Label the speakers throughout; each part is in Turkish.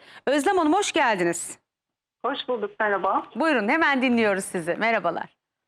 Speaker 1: Özlem Hanım hoş geldiniz.
Speaker 2: Hoş bulduk, merhaba.
Speaker 1: Buyurun hemen dinliyoruz sizi. Merhabalar.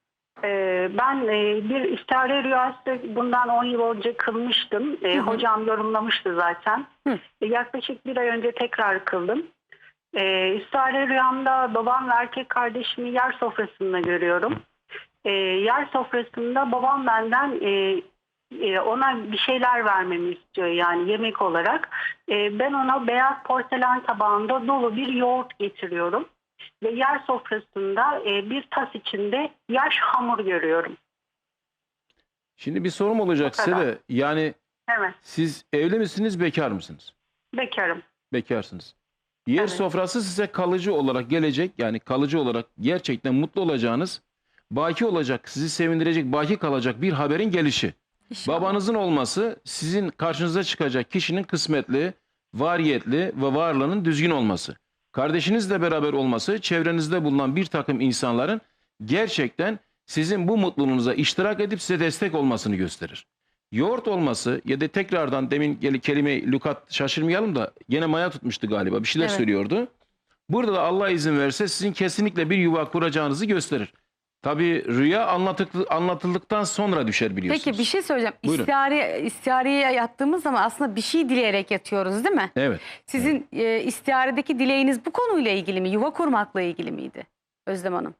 Speaker 2: Ben bir istihare rüyası bundan 10 yıl önce kılmıştım. Hocam yorumlamıştı zaten. Yaklaşık bir ay önce tekrar kıldım. İstihare rüyamda babam ve erkek kardeşimi yer sofrasında görüyorum. Yer sofrasında babam benden ona bir şeyler vermemi istiyor, yani yemek olarak. Ben ona beyaz porselen tabağında dolu bir yoğurt getiriyorum. Ve yer sofrasında bir tas içinde yaş hamur görüyorum.
Speaker 3: Şimdi bir sorum olacak size de. Yani
Speaker 2: Evet,
Speaker 3: siz evli misiniz, bekar mısınız?
Speaker 2: bekarım.
Speaker 3: Bekarsınız. Yer
Speaker 2: Evet.
Speaker 3: sofrası size kalıcı olarak gelecek. Yani kalıcı olarak gerçekten mutlu olacağınız, baki olacak, sizi sevindirecek, baki kalacak bir haberin gelişi.
Speaker 1: İnşallah.
Speaker 3: Babanızın olması sizin karşınıza çıkacak kişinin kısmetli, variyetli ve varlığının düzgün olması. Kardeşinizle beraber olması, çevrenizde bulunan bir takım insanların gerçekten sizin bu mutluluğunuza iştirak edip size destek olmasını gösterir. Yoğurt olması ya da tekrardan demin kelime lükat şaşırmayalım da gene maya tutmuştu galiba, bir şeyler
Speaker 1: Evet.
Speaker 3: söylüyordu. Burada da Allah izin verirse sizin kesinlikle bir yuva kuracağınızı gösterir. Tabii rüya anlatıldıktan sonra düşer biliyorsunuz.
Speaker 1: Peki bir şey söyleyeceğim.
Speaker 3: Buyurun.
Speaker 1: İstihareye yattığımız zaman aslında bir şey dileyerek yatıyoruz değil mi?
Speaker 3: Evet.
Speaker 1: Sizin istiharedeki dileğiniz bu konuyla ilgili mi? Yuva kurmakla ilgili miydi Özlem Hanım?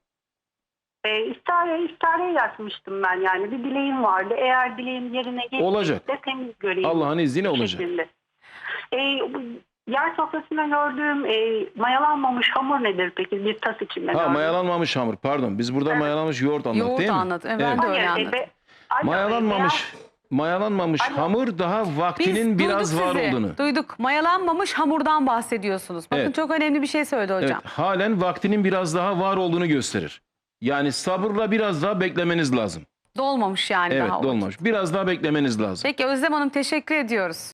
Speaker 2: İstihareye yatmıştım ben, yani bir dileğim vardı. Eğer dileğim yerine
Speaker 3: Olacak.
Speaker 2: gelirse temiz göreyim.
Speaker 3: Allah'ın izniyle olacak.
Speaker 2: şeklinde. Bu yer sofrasında gördüğüm mayalanmamış hamur nedir peki? Bir tas içinde
Speaker 3: Ha,
Speaker 2: gördüm.
Speaker 3: mayalanmamış hamur, pardon. Biz burada
Speaker 2: Evet.
Speaker 3: mayalanmış yoğurt anladık
Speaker 1: Yoğurt
Speaker 3: değil mi?
Speaker 1: anladım. Ben de öyle anladım.
Speaker 3: Mayalanmamış
Speaker 2: Alo.
Speaker 3: hamur daha vaktinin
Speaker 1: Biz
Speaker 3: biraz
Speaker 1: duyduk
Speaker 3: var
Speaker 1: sizi.
Speaker 3: olduğunu.
Speaker 1: Duyduk. Mayalanmamış hamurdan bahsediyorsunuz. Bakın
Speaker 3: Evet.
Speaker 1: çok önemli bir şey söyledi hocam.
Speaker 3: Evet, halen vaktinin biraz daha var olduğunu gösterir. Yani sabırla biraz daha beklemeniz lazım.
Speaker 1: Dolmamış yani
Speaker 3: Evet,
Speaker 1: daha. o.
Speaker 3: dolmamış. Biraz daha beklemeniz lazım.
Speaker 1: Peki Özlem Hanım teşekkür ediyoruz.